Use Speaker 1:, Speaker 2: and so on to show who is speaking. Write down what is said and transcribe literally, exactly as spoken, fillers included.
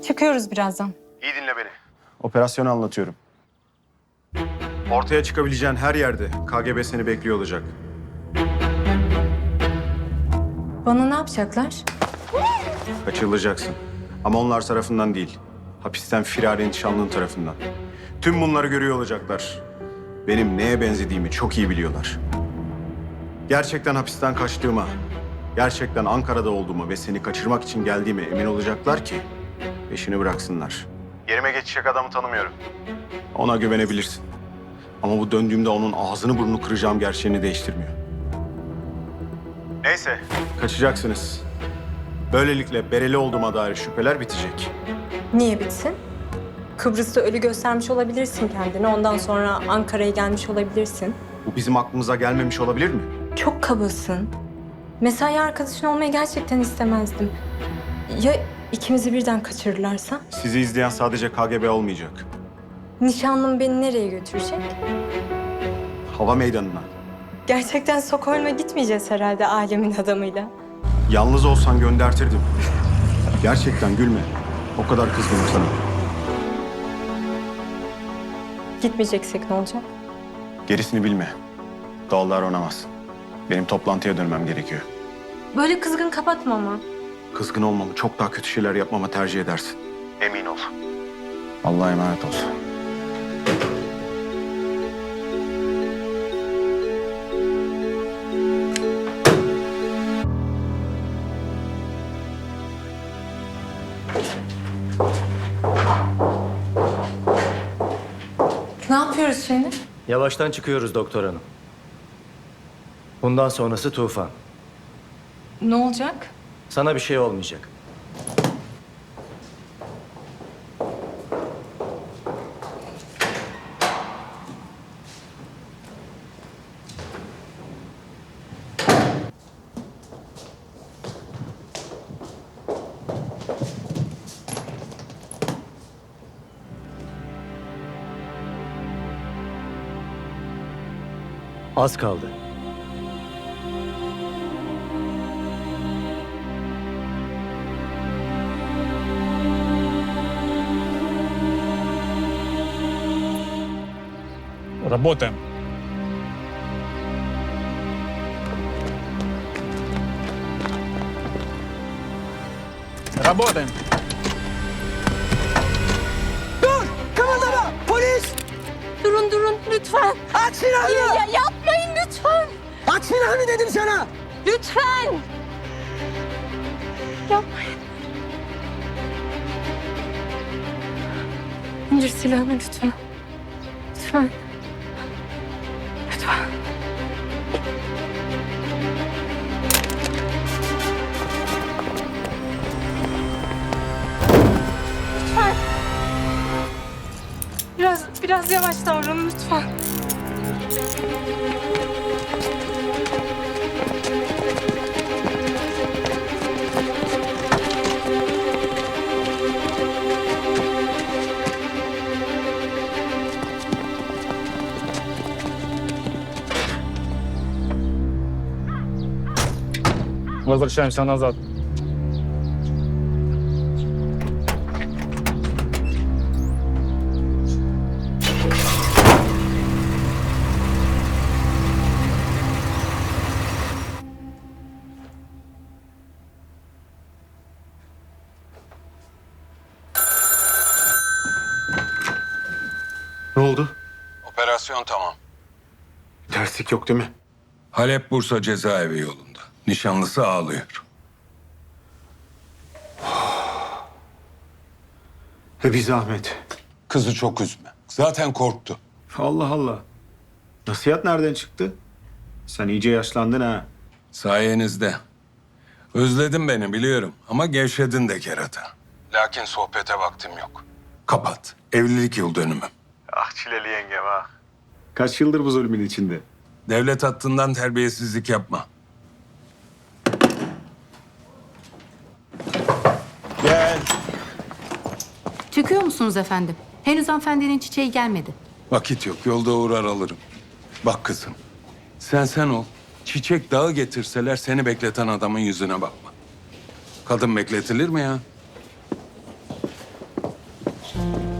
Speaker 1: Çıkıyoruz birazdan.
Speaker 2: İyi dinle beni. Operasyonu anlatıyorum. Ortaya çıkabileceğin her yerde K G B seni bekliyor olacak.
Speaker 1: Bana ne yapacaklar?
Speaker 2: Kaçırılacaksın. Ama onlar tarafından değil. Hapisten firari nişanlın tarafından. Tüm bunları görüyor olacaklar. Benim neye benzediğimi çok iyi biliyorlar. Gerçekten hapisten kaçtığıma, gerçekten Ankara'da olduğuma ve seni kaçırmak için geldiğime emin olacaklar ki peşini bıraksınlar. Yerime geçecek adamı tanımıyorum. Ona güvenebilirsin. Ama bu döndüğümde onun ağzını burnunu kıracağım gerçeğini değiştirmiyor. Neyse, kaçacaksınız. Böylelikle bereli olduğuma dair şüpheler bitecek.
Speaker 1: Niye bitsin? Kıbrıs'ta ölü göstermiş olabilirsin kendini. Ondan sonra Ankara'ya gelmiş olabilirsin.
Speaker 2: Bu bizim aklımıza gelmemiş olabilir mi?
Speaker 1: Çok kabasın. Mesai arkadaşın olmayı gerçekten istemezdim. Ya ikimizi birden kaçırırlarsa?
Speaker 2: Sizi izleyen sadece K G B olmayacak.
Speaker 1: Nişanlım beni nereye götürecek?
Speaker 2: Hava meydanına.
Speaker 1: Gerçekten Stockholm'a gitmeyeceğiz herhalde alemin adamıyla.
Speaker 2: Yalnız olsan göndertirdim. Gerçekten gülme. O kadar kızgınım sana.
Speaker 1: Gitmeyeceksek ne olacak?
Speaker 2: Gerisini bilme. Doğal davranamazsın. Benim toplantıya dönmem gerekiyor.
Speaker 1: Böyle kızgın kapatma ama.
Speaker 2: Kızgın olmamı, çok daha kötü şeyler yapmamı tercih edersin. Emin ol. Allah'a emanet ol.
Speaker 1: Ne yapıyoruz şimdi?
Speaker 3: Yavaştan çıkıyoruz doktor hanım. Bundan sonrası tufan.
Speaker 1: Ne olacak?
Speaker 3: Sana bir şey olmayacak. Az kaldı.
Speaker 4: Работаем. Работаем.
Speaker 5: Dur! Kımıldama! Polis!
Speaker 1: Durun durun lütfen.
Speaker 5: Aç silahını!
Speaker 1: Ya, ya yapmayın lütfen.
Speaker 5: Aç silahını dedim sana!
Speaker 1: Lütfen. Yapmayın. İndir silahını lütfen. Lütfen. Lütfen. Lütfen. Biraz, biraz yavaş davranın lütfen.
Speaker 4: Возвращаемся назад.
Speaker 2: Ne oldu?
Speaker 6: Operasyon tamam.
Speaker 2: Terslik yok değil mi?
Speaker 6: Halep Bursa cezaevi yolunda. Nişanlısı ağlıyor.
Speaker 2: Ve bir zahmet.
Speaker 6: Kızı çok üzme. Zaten korktu.
Speaker 2: Allah Allah. Nasihat nereden çıktı? Sen iyice yaşlandın ha.
Speaker 6: Sayenizde. Özledin beni biliyorum ama gevşedin de kerata. Lakin sohbete vaktim yok. Kapat. Evlilik yıl dönümüm.
Speaker 2: Ah çileli yengem ah. Kaç yıldır bu zulmün içinde?
Speaker 6: Devlet hattından terbiyesizlik yapma. Gel.
Speaker 7: Çıkıyor musunuz efendim? Henüz hanımefendinin çiçeği gelmedi.
Speaker 6: Vakit yok. Yolda uğrar alırım. Bak kızım. Sen sen ol. Çiçek dağı getirseler seni bekleten adamın yüzüne bakma. Kadın bekletilir mi ya?
Speaker 1: Tamam.